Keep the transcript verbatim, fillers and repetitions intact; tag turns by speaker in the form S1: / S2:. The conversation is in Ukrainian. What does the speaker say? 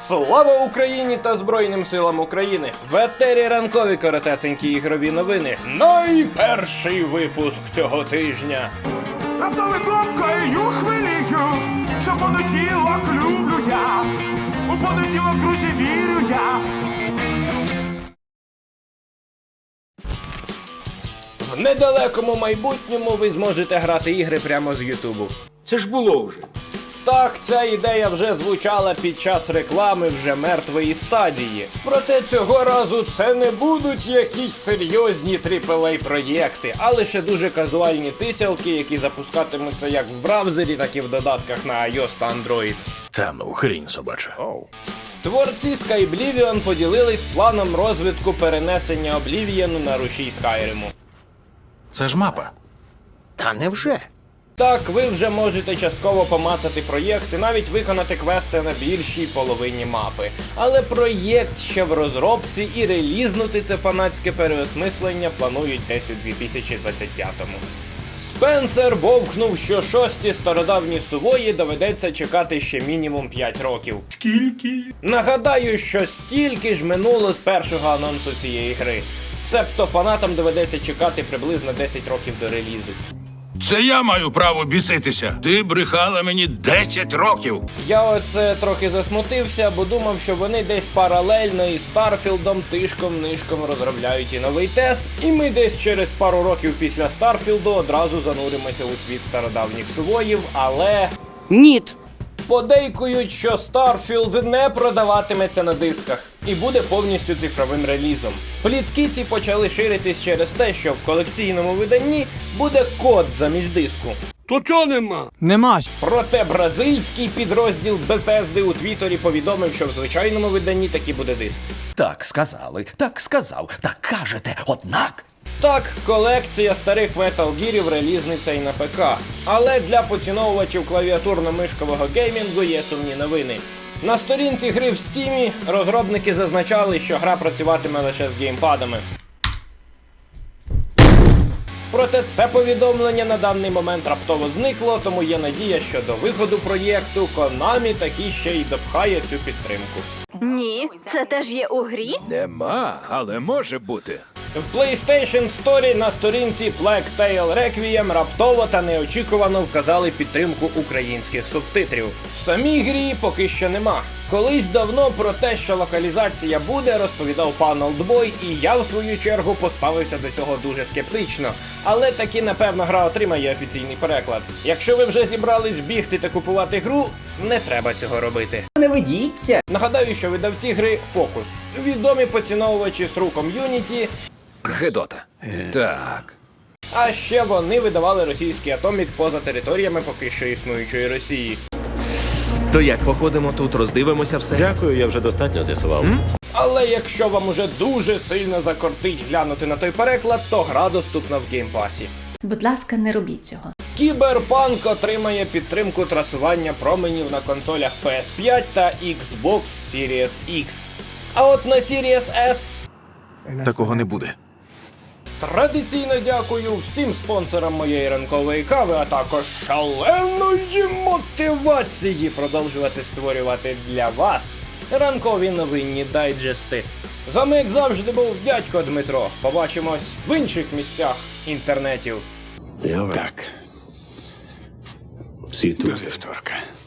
S1: Слава Україні та Збройним силам України! В етері ранкові коротесенькі ігрові новини. Найперший випуск цього тижня.
S2: Раптовий думкою хвилію, що понеділок люблю я. У понеділок, друзі, вірю я.
S1: В недалекому майбутньому ви зможете грати ігри прямо з Ютубу.
S3: Це ж було вже.
S1: Так, ця ідея вже звучала під час реклами вже мертвої стадії. Проте цього разу це не будуть якісь серйозні трипл ей проєкти, а лише дуже казуальні тисялки, які запускатимуться як в браузері, так і в додатках на iOS та Android.
S3: Та ну, хрінь собача.
S1: Oh. Творці Skyblivion поділились планом розвитку перенесення Облівієну на рушій Скайриму.
S3: Це ж мапа.
S4: Та невже?
S1: Так, ви вже можете частково помацати проєкт і навіть виконати квести на більшій половині мапи. Але проєкт ще в розробці і релізнути це фанатське переосмислення планують десь у дві тисячі двадцять п'ятому. Спенсер бовкнув, що шості стародавні сувої доведеться чекати ще мінімум п'ять років.
S2: Скільки?
S1: Нагадаю, що стільки ж минуло з першого анонсу цієї гри. Себто фанатам доведеться чекати приблизно десять років до релізу.
S3: Це я маю право біситися. Ти брехала мені десять років.
S1: Я оце трохи засмутився, бо думав, що вони десь паралельно із Старфілдом тишком-нишком розробляють і новий тес, і ми десь через пару років після Старфілду одразу зануримося у світ стародавніх сувоїв, але...
S4: Ніт.
S1: Подейкують, що Starfield не продаватиметься на дисках і буде повністю цифровим релізом. Плітки ці почали ширитись через те, що в колекційному виданні буде код замість диску.
S5: То чого нема?
S6: Нема.
S1: Проте бразильський підрозділ Bethesda у Твіттері повідомив, що в звичайному виданні таки буде диск.
S4: Так сказали, так сказав, так кажете, однак.
S1: Так, колекція старих Metal Gear'ів релізниця і на ПК. Але для поціновувачів клавіатурно-мишкового геймінгу є сумні новини. На сторінці гри в Стімі розробники зазначали, що гра працюватиме лише з геймпадами. Проте це повідомлення на даний момент раптово зникло, тому є надія, що до виходу проєкту Konami таки ще й допхає цю підтримку.
S7: Ні, це теж є у грі?
S3: Нема, але може бути.
S1: В PlayStation Store на сторінці Plague Tale Requiem раптово та неочікувано вказали підтримку українських субтитрів. В самій грі поки що нема. Колись давно про те, що локалізація буде, розповідав пан Олдбой, і я в свою чергу поставився до цього дуже скептично. Але таки, напевно, гра отримає офіційний переклад. Якщо ви вже зібрались бігти та купувати гру, не треба цього робити.
S4: Не ведіться.
S1: Нагадаю, що видавці гри Focus. Відомі поціновувачі ес ар у ком'юніті.
S3: Гедота. Так.
S1: А ще вони видавали російський Атомік поза територіями поки що існуючої Росії.
S8: То як походимо тут, роздивимося все?
S5: Дякую, я вже достатньо з'ясував.
S1: Але якщо вам уже дуже сильно закортить глянути на той переклад, то гра доступна в геймпасі.
S7: Будь ласка, не робіть цього.
S1: Кіберпанк отримає підтримку трасування променів на консолях пі ес п'ять та Xbox Series X. А от на Series S...
S3: Такого не буде.
S1: Традиційно дякую всім спонсорам моєї ранкової кави, а також шаленої мотивації продовжувати створювати для вас ранкові новинні дайджести. З вами, як завжди, був дядько Дмитро. Побачимось в інших місцях інтернетів.
S3: Так. До вівторка.